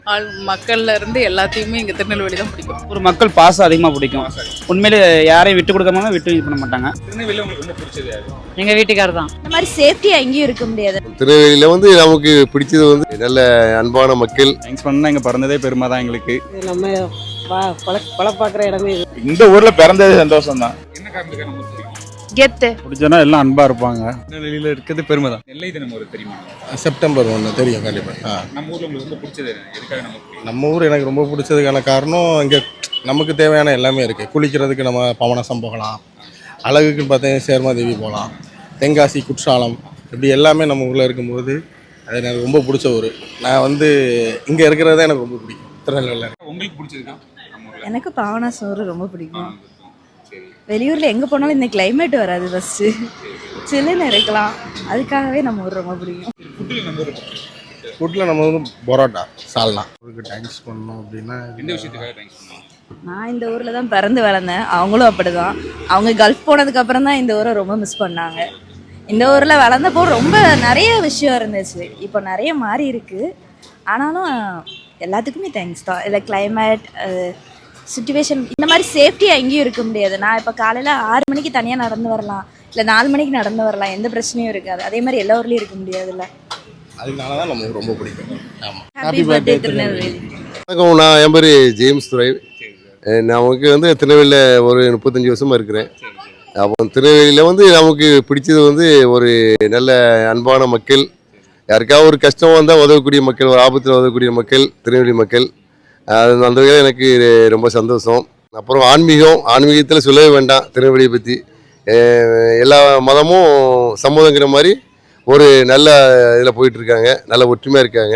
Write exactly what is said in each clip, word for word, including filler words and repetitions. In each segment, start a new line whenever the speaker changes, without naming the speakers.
ஆள் மக்கள்ல இருந்து எல்லாத்தையுமே இங்க திருநெல்வேலி தான் பிடிக்கும்.
ஒரு மக்கள் பாசம் அதிகமாக பிடிக்கும். உண்மையிலே யாரையும் விட்டு கொடுக்காம விட்டு இது பண்ண மாட்டாங்க.
திருநெல்வேலியில் உங்களுக்கு ரொம்ப பிடிச்சது யாரு?
எங்கள் வீட்டுக்காரர் தான்.
இந்த மாதிரி சேஃப்டியா எங்கேயும் இருக்க முடியாது.
திருநெல்வேலியில் வந்து நமக்கு பிடிச்சது வந்து நல்ல அன்பான மக்கள்.
தேங்க்ஸ் பண்ணா இங்கே பிறந்ததே பெருமை தான் எங்களுக்கு.
நம்ம பழ பழ பார்க்குற இடமே இது.
இந்த ஊரில் பிறந்தது சந்தோஷம் தான். என்ன காரணத்துக்காக நம்ம பிடிக்கும்?
கெத்து
பிடிச்சனா எல்லாம் அன்பா இருப்பாங்க. திருநெல்வேலியில் இருக்கிறது பெருமை தான். நெல்லை தினம் ஒரு தெரியுமா?
செப்டம்பர் ஒன்று தெரியும் கண்டிப்பாக.
நம்ம ஊரில் உங்களுக்கு ரொம்ப பிடிச்சது எதுக்காக நம்ம பிடிக்கும்?
நம்ம ஊர் எனக்கு ரொம்ப பிடிச்சதுக்கான காரணம் இங்கே நமக்கு தேவையான எல்லாமே இருக்குது. குளிக்கிறதுக்கு நம்ம பவனசம் போகலாம், அழகுக்குன்னு பார்த்தீங்கன்னா சேர்மாதேவி போகலாம், தென்காசி குற்றாலம், இப்படி எல்லாமே நம்ம ஊரில் இருக்கும்போது அது எனக்கு ரொம்ப பிடிச்ச ஊர். நான் வந்து இங்கே இருக்கிறதே எனக்கு ரொம்ப பிடிக்கும். திருநெல்வேலியில்
உங்களுக்கு பிடிச்சதுக்கா?
எனக்கு பாவனா சோறு ரொம்ப பிடிக்கும். வெளியூர்ல எங்க போனாலும் இந்த கிளைமேட் வராது, ஃபர்ஸ்ட் சில்லுன்னு இருக்கலாம், அதுக்காகவே நம்ம ஊர் ரொம்ப பிடிக்கும்.
ஃபுட்டில் நம்ம வந்து பரோட்டா, சால்னா. ஊருக்கு தேங்க்ஸ் பண்ணணும் அப்படின்னா
எந்த விஷயத்துக்காக தேங்க்ஸ் பண்ணுவோம்?
நான் இந்த ஊர்ல தான் பிறந்து வளர்ந்தேன், அவங்களும் அப்படிதான். அவங்க கல்ஃப் போனதுக்கு அப்புறம் தான் இந்த ஊரை ரொம்ப மிஸ் பண்ணாங்க. இந்த ஊர்ல வளர்ந்தப்போ ரொம்ப நிறைய விஷயம் இருந்துச்சு, இப்போ நிறைய மாறி இருக்கு. ஆனாலும் எல்லாத்துக்குமே தேங்க்ஸ் தான். இல்லை கிளைமேட், சுச்சுவேஷன், இந்த மாதிரி சேஃப்டியாக எங்கேயும் இருக்க முடியாது. நான் இப்போ காலையில் ஆறு மணிக்கு தனியாக நடந்து வரலாம், இல்லை நாலு மணிக்கு நடந்து வரலாம், எந்த பிரச்சனையும் இருக்காது. அதே மாதிரி எல்லா ஊர்லேயும் இருக்க முடியாதுல்ல.
அதனால தான் நமக்கு ரொம்ப பிடிக்கும். ஆமாம்.
Happy birthday Tirunelveli.
வணக்கம், நான் என் பேர் ஜேம்ஸ் துரை. நமக்கு வந்து திருநெல்வேலியில் ஒரு முப்பத்தஞ்சு வருஷமாக இருக்கிறேன். அப்போ திருநெல்வேலியில் வந்து நமக்கு பிடிச்சது வந்து ஒரு நல்ல அன்பான மக்கள். யாருக்காவது ஒரு கஷ்டம் வந்தால் உதவக்கூடிய மக்கள், ஒரு ஆபத்தில் உதவக்கூடிய மக்கள் திருநெல்வேலி மக்கள். அது அந்த வகையில் எனக்கு ரொம்ப சந்தோஷம். அப்புறம் ஆன்மீகம், ஆன்மீகத்தில் சொல்லவே வேண்டாம். திருநெல்வேலியை பற்றி எல்லா மதமும் சம்மதங்கிற மாதிரி ஒரு நல்ல இதில் போயிட்டுருக்காங்க, நல்ல ஒற்றுமையாக இருக்காங்க.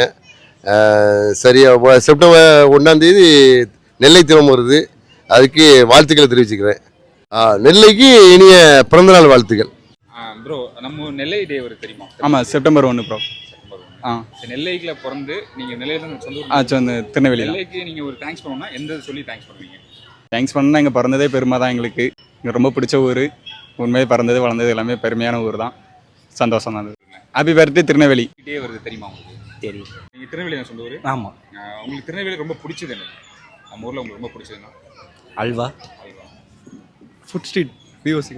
சரியாக செப்டம்பர் ஒன்றாந்தேதி நெல்லை தினம் வருது, அதுக்கு வாழ்த்துக்களை தெரிவிச்சுக்கிறேன். நெல்லைக்கு இனிய பிறந்தநாள் வாழ்த்துக்கள்.
ப்ரோ, நம்ம நெல்லை டே ஒரு தெரியுமா?
ஆமாம், செப்டம்பர் ஒன்று ப்ரோ.
ஆ, நெல்லைக்குள்ள பிறந்து நீங்கள் நெல்லையில தான் சொந்த ஊர்.
ஆ, சொந்த திருநெல்வேலி.
நெல்லைக்கு நீங்கள் ஒரு தேங்க்ஸ் பண்ணணும்னா எந்த சொல்லி தேங்க்ஸ் பண்ணுவீங்க?
தேங்க்ஸ் பண்ணால் இங்கே பிறந்ததே பெருமை தான் எங்களுக்கு. இங்கே ரொம்ப பிடிச்ச ஊர். உண்மையை பிறந்தது வளர்ந்தது எல்லாமே பெருமையான ஊர் தான். சந்தோஷம் தான். Happy birthday Tirunelveli.
டே வருது தெரியுமா உங்களுக்கு?
தெரியும்.
நீங்கள் திருநெல்வேலி தான் சொந்த ஊர்?
ஆமாம்.
உங்களுக்கு திருநெல்வேலி ரொம்ப பிடிச்சது என்ன? நம்ம ஊரில் உங்களுக்கு ரொம்ப பிடிச்சதுன்னா?
Halwa,
halwa,
food street, POC.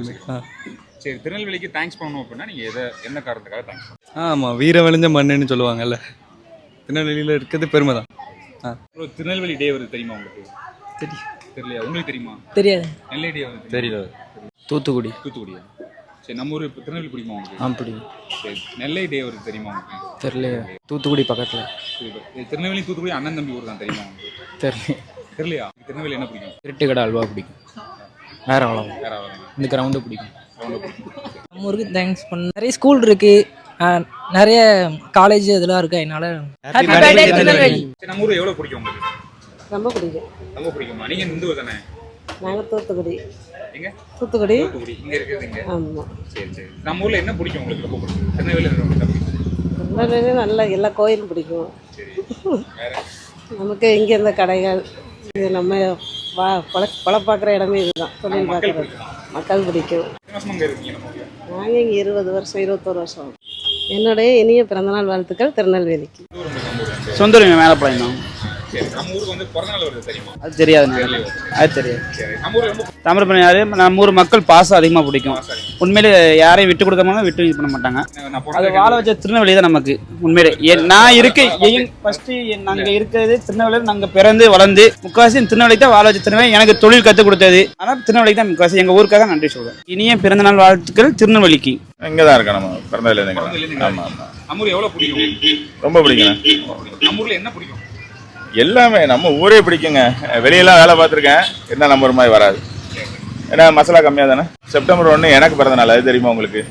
சரி, திருநெல்வேலிக்கு தேங்க்ஸ் பண்ணணும் அப்படின்னா நீங்கள் எதை என்ன காரணத்துக்காக தேங்க்ஸ் பண்ணணும்?
ஆமாம், வீர விளைஞ்ச மண்ணுன்னு சொல்லுவாங்கல்ல, திருநெல்வேலியில் இருக்கிறது பெருமை தான். ஆ,
ப்ரோ, திருநெல்வேலி டே வருது தெரியுமா உங்களுக்கு?
தெரியும்.
தெரியலையா? உங்களுக்கு தெரியுமா?
தெரியாது.
நெல்லை டே வருது
தெரியல. தூத்துக்குடி.
தூத்துக்குடியா? சரி, நம்ம ஊர் இப்போ திருநெல்வேலி பிடிக்குமா உங்களுக்கு?
ஆ, பிடிக்கும்.
சரி, நெல்லை டே வருது தெரியுமா உங்களுக்கு?
தெரியல. தூத்துக்குடி பக்கத்தில்.
சரி, திருநெல்வேலி தூத்துக்குடி அண்ணன் தம்பி ஊர் தான் தெரியுமா உங்களுக்கு?
தெரியல.
தெரியலையா? திருநெல்வேலி என்ன பிடிக்கும்?
திருட்டுக்கடை அல்வா பிடிக்கும். வேற அவ்வளோ.
வேற வரும்.
இந்த கிரவுண்டு பிடிக்கும்.
நம்ம ஊருக்கு தேங்க்ஸ் பண்ண நிறைய ஸ்கூல் இருக்கு, நிறைய காலேஜ் இதெல்லாம் இருக்கு. அதனால
ஹாப்பி பர்த்டே திருநெல்வேலி.
சரி, நம்ம ஊர் எவ்வளோ பிடிக்கும் உங்களுக்கு?
ரொம்ப பிடிக்கும்.
ரொம்ப பிடிக்குமா? நீங்கள் இந்த ஊர் தானே?
நாங்கள் தூத்துக்குடி.
எங்க?
தூத்துக்குடி.
தூத்துக்குடி. இங்கே இருக்குது இங்கே.
ஆமாம்.
சரி சரி. நம்ம ஊரில் என்ன பிடிக்கும் உங்களுக்கு? ரொம்ப பிடிக்கும். திருநெல்வேலியில் ரொம்ப பிடிக்கும்.
திருநெல்வேலி நல்ல எல்லா கோயிலும் பிடிக்கும்.
சரி, வேற?
நமக்கு இங்கே இருந்த கடைகள், இது நம்ம வா பழ பழ பார்க்குற இடமே இதுதான். தொழில் பார்க்குறது மக்கள் பிடிக்கும்.
அங்கே இருக்கீங்க நம்ம ஊரில்?
நாங்கள் இங்கே இருபது வருஷம் இருபத்தோரு வருஷம். என்னுடைய இனிய பிறந்தநாள் வாழ்த்துக்கள் திருநெல்வேலிக்கு.
சொந்த ஊர் மேலப்பாளையம் தான்.
சரி, நம்ம ஊருக்கு வந்து பிறந்தநாள் வருது தெரியுமா?
அது தெரியாது. அது தெரியாது.
சரி, நம்ம ஊர் ரொம்ப
தாமிரபரணி யாரு, நம்ம ஊர் மக்கள் பாசம் அதிகமாக பிடிக்கும். உண்மையிலே யாரையும் விட்டு கொடுக்காம விட்டு இது பண்ண மாட்டாங்க. அது வாழ வச்ச திருநெல்வேலி தான் நமக்கு. உண்மையிலே நான் இருக்கு ஃபர்ஸ்ட் நாங்கள் இருக்கிறது திருநெல்வேலி. நாங்கள் பிறந்து வளர்ந்து முக்கால்வாசி திருநெல்வேலி தான் வாழ வச்ச திருநெல்வேலி. எனக்கு தொழில் கற்றுக் கொடுத்தது ஆனால் திருநெல்வேலி தான் முக்கால்வாசி. எங்கள் ஊருக்காக நன்றி சொல்லுவேன். இனிய பிறந்தநாள் வாழ்த்துக்கள் திருநெல்வேலிக்கு.
இங்கே தான் இருக்கோம், நம்ம பிறந்ததுலேருந்து. ஆமாம் ஆமாம்.
நம்ம ஊர் எவ்வளோ பிடிக்கும்?
ரொம்ப பிடிக்குங்க.
நம்ம ஊரில் என்ன பிடிக்கும்?
எல்லாமே நம்ம ஊரே பிடிக்குங்க. வெளியெல்லாம் வேலை பார்த்துருக்கேன், இருந்தால் நம்ம ஒரு மாதிரி வராது. ஏன்னா மசாலா கம்மியாக தானே. செப்டம்பர் ஒன்று எனக்கு பிறந்த நாள், அது தெரியுமா உங்களுக்கு?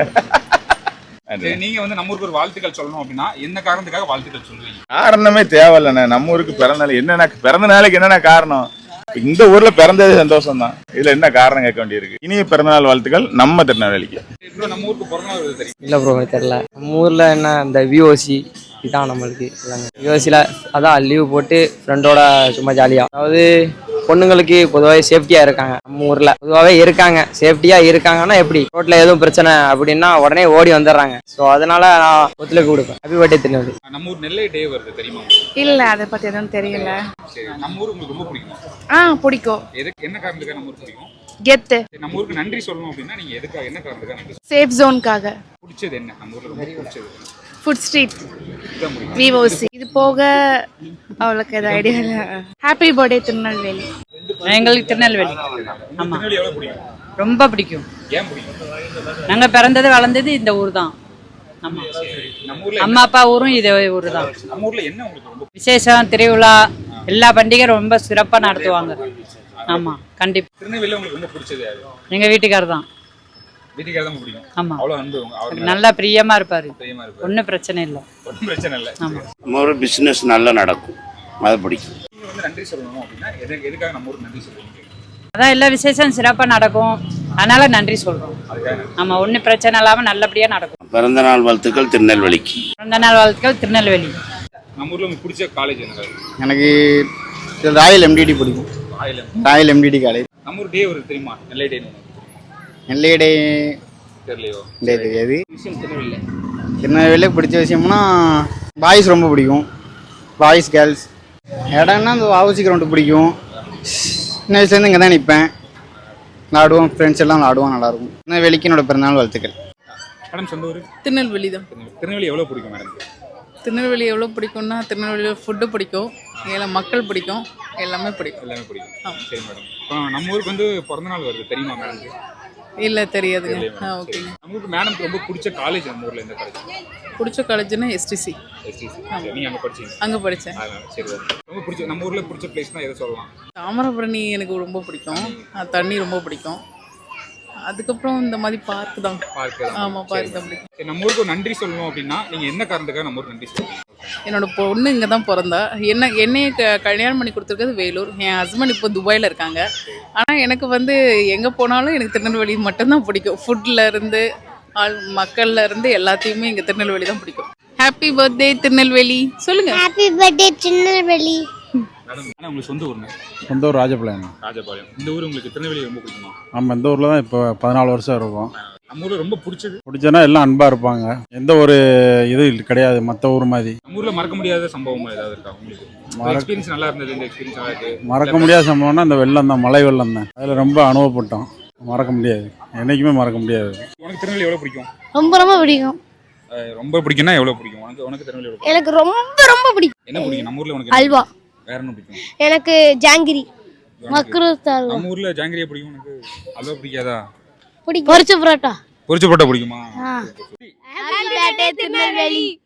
நீங்கள் வந்து நம்ம ஊருக்கு ஒரு வாழ்த்துக்கள் சொல்லணும் அப்படின்னா என்ன காரணத்துக்காக வாழ்த்துக்கள் சொல்லுவீங்க?
காரணமே தேவையில்லைண்ணே. நம்ம ஊருக்கு பிறந்த நாள் என்னென்ன, பிறந்த நாளுக்கு என்னென்ன காரணம்? இந்த ஊர்ல பிறந்தது சந்தோஷம் தான். இதுல என்ன காரணம் கேட்க வேண்டியிருக்கு. இனிய பிறந்தநாள் வாழ்த்துக்கள் நம்ம திருநெல்வேலிக்கு.
நம்ம ஊருக்கு பிறந்தநாள் வருது தெரியும்?
இல்லை ப்ரோ, தெரியல. நம்ம ஊரில் என்ன இந்த விஓசி இதான் நம்மளுக்கு எல்லாமே. விஓசியில் அதான் லீவ் போட்டு ஃப்ரெண்டோட சும்மா ஜாலியாக, அதாவது
பொண்ணுங்களுக்கு பொதுவாகவே சேஃப்டியாக இருக்காங்க. நம்ம ஊரில் பொதுவாகவே இருக்காங்க, சேஃப்டியாக இருக்காங்கன்னா எப்படி ரோட்டில் எதுவும் பிரச்சனை அப்படின்னா உடனே ஓடி வந்துடுறாங்க. ஸோ அதனால நான் ஒத்துழைப்பு கொடுப்பேன். Happy birthday Tirunelveli.
நம்ம ஊர் நெல்லை டே வருது தெரியுமா?
இல்ல அதை பத்தி எதுவும் தெரியல.
சரி, நம்ம ஊர் உங்களுக்கு ரொம்ப பிடிக்குமா?
ஆ பிடிக்கும்.
எதுக்கு என்ன காரணத்துக்காக நம்ம ஊர் பிடிக்கும்?
கெத்து.
சரி, நம்ம ஊருக்கு நன்றி சொல்லணும் அப்படின்னா நீங்க எதுக்காக என்ன காரணத்துக்காக நன்றி சொல்லணும்?
சேஃப் ஜோனுக்காக.
பிடிச்சது என்ன நம்ம ஊர்ல ரொம்ப பிடிச்சது?
ஃபுட் ஸ்ட்ரீட்,
இதுதான் பிடிக்கும்.
விவோசி. இது போக அவளுக்கு எது ஐடியா இல்லை. Happy birthday Tirunelveli.
எங்களுக்கு திருநெல்வேலி ஆமாம்
திருநெல்வேலி எவ்வளவு பிடிக்கும்?
ரொம்ப பிடிக்கும்.
ஏன் பிடிக்கும்?
நாங்கள் பிறந்தது வளர்ந்தது இந்த ஊர் தான். ஆமாம்,
நம்ம ஊர்ல
அம்மா அப்பா ஊரும் இதே ஊர் தான்.
நம்ம ஊர்ல என்ன உங்களுக்கு ரொம்ப
விசேஷம், திருவிழா, எல்லா பண்டிகை ரொம்ப சிறப்பாக நடத்துவாங்க. ஆமாம், கண்டிப்பாக.
திருநெல்வேலியில உங்களுக்கு ரொம்ப பிடிச்சது யாரு?
எங்கள் வீட்டுக்காரர் தான்.
வீட்டுக்காரர் தான் பிடிக்கும்.
ஆமாம்,
அவ்வளவு அன்பு உங்க- அவருக்கு
நல்லா பிரியமாக இருப்பார்.
பிரியமா இருப்பாரு.
ஒன்றும் பிரச்சனை இல்லை.
ஒன்றும் பிரச்சனை இல்லை.
ஆமாம்,
நம்ம ஒரு பிஸ்னஸ் நல்லா நடக்கும், அது பிடிக்கும்.
நீங்க வந்து நன்றி சொல்லணும் அப்படின்னா எது எதுக்காக நம்ம ஊருக்கு நன்றி சொல்லுவீங்க?
அதான் எல்லா விசேஷம் சிறப்பாக நடக்கும், அதனால நன்றி சொல்கிறோம்.
அதுக்காக நன்றி.
ஆமாம், ஒன்றும் பிரச்சனை இல்லாமல் நல்லபடியாக நடக்கும்.
பிறந்த நாள் வாழ்த்துக்கள் திருநெல்வேலிக்கு.
பிறந்த நாள் வாழ்த்துக்கள் திருநெல்வேலி.
நம்ம ஊர்ல உங்களுக்கு பிடிச்ச காலேஜ் என்ன?
எனக்கு ராயல் எம்டிடி பிடிக்கும்.
ஆயிலம்.
Royal MDT college.
நம்ம ஊர் டே வருது தெரியுமா? நெல்லை டே.
நெல்லை டே
தெரியலையோ?
தெரியாது.
விஷயம் திருநெல்வேலி.
திருநெல்வேலியில் பிடிச்ச விஷயம்னா பாய்ஸ் ரொம்ப பிடிக்கும். பாய்ஸ் கேர்ள்ஸ் இடம்னா அந்த வாவுசி கிரவுண்டு பிடிக்கும். சின்ன வயசுலேருந்து இங்கே தான் நிற்பேன், விளாடுவோம், ஃப்ரெண்ட்ஸ் எல்லாம் விளாடுவோம், நல்லாயிருக்கும். திருநெல்வேலிக்கு என்னோட பிறந்தநாள் வாழ்த்துக்கள்.
மேடம் சொந்த ஊர்?
திருநெல்வேலி தான்.
திருநெல்வேலி எவ்வளவு பிடிக்கும் மேடம்?
திருநெல்வேலி எவ்வளோ பிடிக்கும்னா திருநெல்வேலியில் ஃபுட்டு பிடிக்கும், எல்லாம் மக்கள் பிடிக்கும், எல்லாமே பிடிக்கும்.
எல்லாமே பிடிக்கும். சரி மேடம், இப்போ நம்ம ஊருக்கு வந்து பிறந்த நாள் வருது தெரியுமா மேடம்?
இல்லை தெரியாதுங்க. ஆ ஓகேங்க.
நம்ம ஊருக்கு மேடம்க்கு ரொம்ப பிடிச்ச காலேஜ் நம்ம ஊர்ல எந்த காலேஜ்?
பிடிச்ச காலேஜ்னா எஸ்டிசி.
எஸ்டிசி. நீங்க அங்க படிச்சீங்க?
அங்கே படித்தேன்.
அதனால சரி ஓகே. ரொம்ப பிடிச்ச நம்ம ஊர்ல பிடிச்ச பிளேஸ்னா எதை சொல்லலாம்?
தாமிரபரணி எனக்கு ரொம்ப பிடிக்கும், ஆ, தண்ணி ரொம்ப பிடிக்கும். அதுக்கப்புறம் இந்த மாதிரி பார்க் தான்.
பார்க்.
ஆமாம், பார்க் தான் பிடிக்கும்.
சரி, நம்ம ஊருக்கு ஒரு நன்றி சொல்லணும் அப்படின்னா நீங்க என்ன காரணத்துக்காக நம்ம ஊருக்கு நன்றி சொல்லுவீங்க?
என்னோட பொண்ணு இங்கே தான் பிறந்தா. என்ன என்னைய க கல்யாணம் பண்ணி கொடுத்துருக்கிறது வேலூர். என் ஹஸ்பண்ட் இப்போ துபாயில் இருக்காங்க. ஆனால் எனக்கு வந்து எங்கே போனாலும் எனக்கு திருநெல்வேலி மட்டும்தான் பிடிக்கும். ஃபுட்டில் இருந்து ஆள் மக்கள்ல இருந்து எல்லாத்தையுமே இங்கே திருநெல்வேலி தான் பிடிக்கும். ஹாப்பி பர்த்டே திருநெல்வேலி சொல்லுங்க.
Happy birthday Tirunelveli.
மேடம், ஆனால் உங்களுக்கு சொந்த ஊருங்க?
சொந்த ஊர் ராஜபாளையம்.
ராஜபாளையம். இந்த ஊர் உங்களுக்கு திருநெல்வேலி ரொம்ப பிடிக்குமா?
நம்ம இந்த ஊரில் தான் இப்போ பதினாலு வருஷம் இருக்கோம்.
நம்ம ஊர்ல ரொம்ப பிடிச்சது?
பிடிச்சனா எல்லாம் அன்பாக இருப்பாங்க, எந்த ஒரு இது கிடையாது மற்ற ஊர் மாதிரி.
நம்ம ஊர்ல மறக்க முடியாத சம்பவம் ஏதாவது இருக்கா உங்களுக்கு? எக்ஸ்பீரியன்ஸ் நல்லா இருந்தது, இந்த எக்ஸ்பீரியன்ஸ் நல்லா இருக்கு.
மறக்க முடியாத சம்பவம்னா அந்த வெள்ளம் தான், மழை வெள்ளம் தான். அதில் ரொம்ப அனுபவப்பட்டோம், மறக்க முடியாது, என்றைக்குமே மறக்க முடியாது.
உனக்கு திருநெல்வேலி எவ்வளவு பிடிக்கும்?
ரொம்ப ரொம்ப பிடிக்கும்.
அஹ் ரொம்ப பிடிக்கும்னா எவ்வளவு பிடிக்கும்? உனக்கு உனக்கு திருநெல்வேலி எவ்வளவு பிடிக்கும்?
எனக்கு ரொம்ப ரொம்ப பிடிக்கும்.
என்ன பிடிக்கும் நம்ம ஊர்ல உனக்கு?
அல்வா.
வேற என்ன பிடிக்கும்?
எனக்கு ஜாங்கிரி, மக்ரூத் அல்வா
நம்ம ஊர்ல ஜாங்கிரியா பிடிக்கும். உனக்கு அல்வா பிடிக்காதா?
பிடிக்கும். பொரிச்ச பரோட்டா.
பொரிச்ச பரோட்டா பிடிக்குமா?
Happy birthday Tirunelveli.